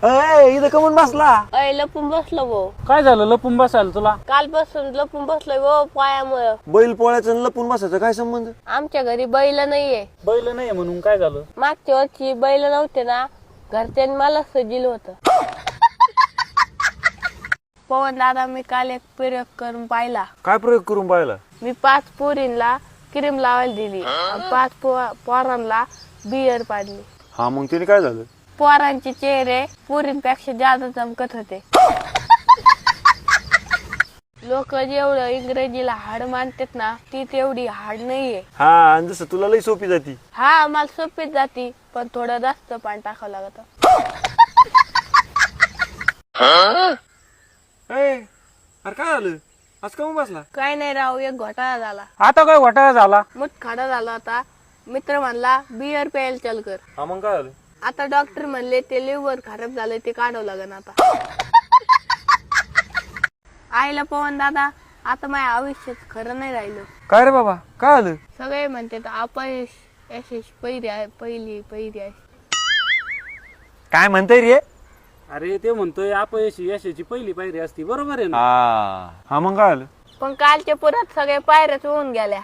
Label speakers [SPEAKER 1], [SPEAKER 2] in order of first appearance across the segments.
[SPEAKER 1] इथं कमून बसला?
[SPEAKER 2] अय लपून बसलो भाऊ.
[SPEAKER 3] काय झालं लपून बसायला तुला?
[SPEAKER 2] कालपासून लपून बसलोय भाऊ पायामुळं.
[SPEAKER 1] बैल पोळ्याचं आणि लपून बसायचं काय संबंध?
[SPEAKER 2] आमच्या घरी बैल नाहीये.
[SPEAKER 3] बैल नाही म्हणून काय झालं?
[SPEAKER 2] मागच्या वर्षी बैल नव्हते ना, घरच्यांनी मला सजिल होत. पवन दादा मी काल एक प्रयोग करून पाहिला.
[SPEAKER 1] काय प्रयोग करून पाहिला?
[SPEAKER 2] मी 5 पोरींना क्रीम लावायला दिली आणि 5 पोरांना बियर पाडली.
[SPEAKER 1] हा मग तिने काय झालं?
[SPEAKER 2] पोरांचे चेहरे पोरींपेक्षा जास्त चमकत होते. लोक जेवढं इंग्रजीला हाड मानतात ना, ती तेवढी हाड नाहीये.
[SPEAKER 1] हा आणि जसं तुला लई सोपी जाती.
[SPEAKER 2] हा मला सोपीच जाती, पण थोडं जास्त पाणी टाकावं लागत.
[SPEAKER 1] अरे काय झालं? आज कमून बसला?
[SPEAKER 2] काय नाही राव, एक घोटाळा झाला.
[SPEAKER 3] आता काय घोटाळा झाला?
[SPEAKER 2] मुठखाडा झाला होता. मित्र म्हणला बियर प्यायला चल कर.
[SPEAKER 1] हा मग काय झालं?
[SPEAKER 2] आता डॉक्टर म्हणले ते लिव्हर खराब झालंय, ते काढावं लागेल आता. आईला पवन दादा, आता माझ्या आयुष्यात खरं नाही राहिलं.
[SPEAKER 1] काय रे बाबा काय झालं?
[SPEAKER 2] सगळे म्हणतात अपयश यशस्वी पहिली आहे.
[SPEAKER 1] काय म्हणताय रे?
[SPEAKER 3] अरे ते म्हणतोय अपयशी यशाची पहिली पायरी असती, बरोबर आहे ना?
[SPEAKER 1] हा मग काय झालं?
[SPEAKER 2] पण कालच्या पुरात सगळे पायऱ्याच होऊन गेल्या.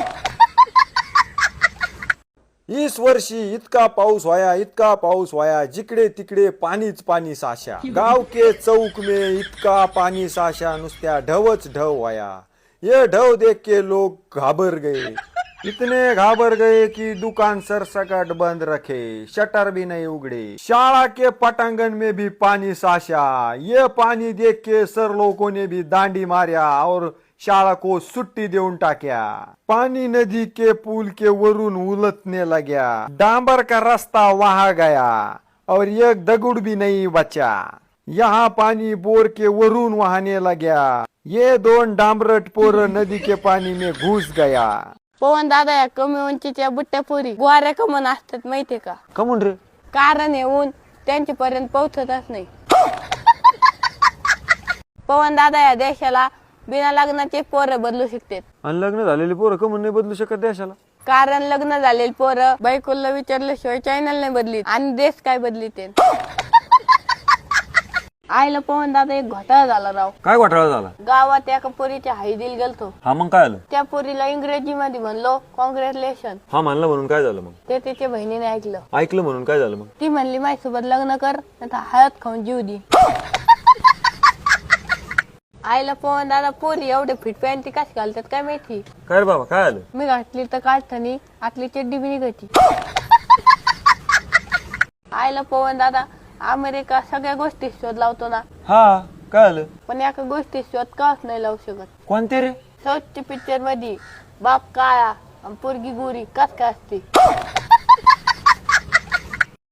[SPEAKER 4] इस वर्षी इतका पाऊस व्हाया जिकडे तिकडे पाणीच पाणी साशा. गाव के चौक में इतका पानी साशा, नुसत्या ढवच ढव व्हाया. ये ढव देख के लोग घाबर गए, इतने घाबर गए कि दुकान सरसकट बंद रखे, शटर भी नहीं उगड़े. शाला के पटांगण में भी पानी साशा. ये पानी देख के सर लोगों ने भी दांडी मारिया और शाला को छुट्टी देऊन टाक्या. पानी नदी के पुल के वरून उलटने लगा. डांबर का रास्ता वहा गया और एक दगुड़ भी नहीं बचा. यहाँ पानी बोर के वरून वहाने लगा. ये 2 डांबरट पोर नदी के पानी में घुस गया.
[SPEAKER 2] पवन दादा, या कमी उंचीच्या बुट्ट्या पोरी गोऱ्या कमन असतात माहितीये का?
[SPEAKER 1] कमून रे?
[SPEAKER 2] कारण येऊन त्यांच्यापर्यंत पोहोचतच नाही. पवन दादा, या देशाला बिना लग्नाचे पोरं बदलू शकतात.
[SPEAKER 1] आणि लग्न झालेली पोरं कमून नाही बदलू शकत देशाला?
[SPEAKER 2] कारण लग्न झालेली पोरं बायकोला विचारल्याशिवाय चॅनल नाही बदलीत आणि देश काय बदलीते. आईला पवन दादा, एक घोटाळा झाला राव.
[SPEAKER 1] काय घोटाळा झाला?
[SPEAKER 2] गावात एका पोरीच्या हळदीला गेलतो.
[SPEAKER 1] हा मग काय झालं?
[SPEAKER 2] त्या पोरीला इंग्रजी मध्ये म्हणलो कॉंग्रॅच्युलेशन.
[SPEAKER 1] हा म्हणलं म्हणून काय झालं मग?
[SPEAKER 2] ते तिच्या बहिणीने ऐकलं.
[SPEAKER 1] ऐकलं म्हणून काय झालं मग?
[SPEAKER 2] ती म्हणली माझ्यासोबत लग्न कर, नाहीतर हळद खाऊन जीव दे. आईला पवन दादा, पोरी एवढे फिट पॅन्टी कशी घालतात काय माहिती.
[SPEAKER 1] काय रे बाबा काय झालं?
[SPEAKER 2] मी घातली तर काढतानी आतली चड्डी बी निघायची. आईला पवन दादा, अमेरिका सगळ्या गोष्टी शोध लावतो ना,
[SPEAKER 1] हा काय झालं?
[SPEAKER 2] पण एका गोष्टी शोध काच नाही लावू शकत.
[SPEAKER 1] कोणते रे?
[SPEAKER 2] साऊथच्या पिक्चर मध्ये बाप काळा आणि पोरगी गोरी कस काय असते.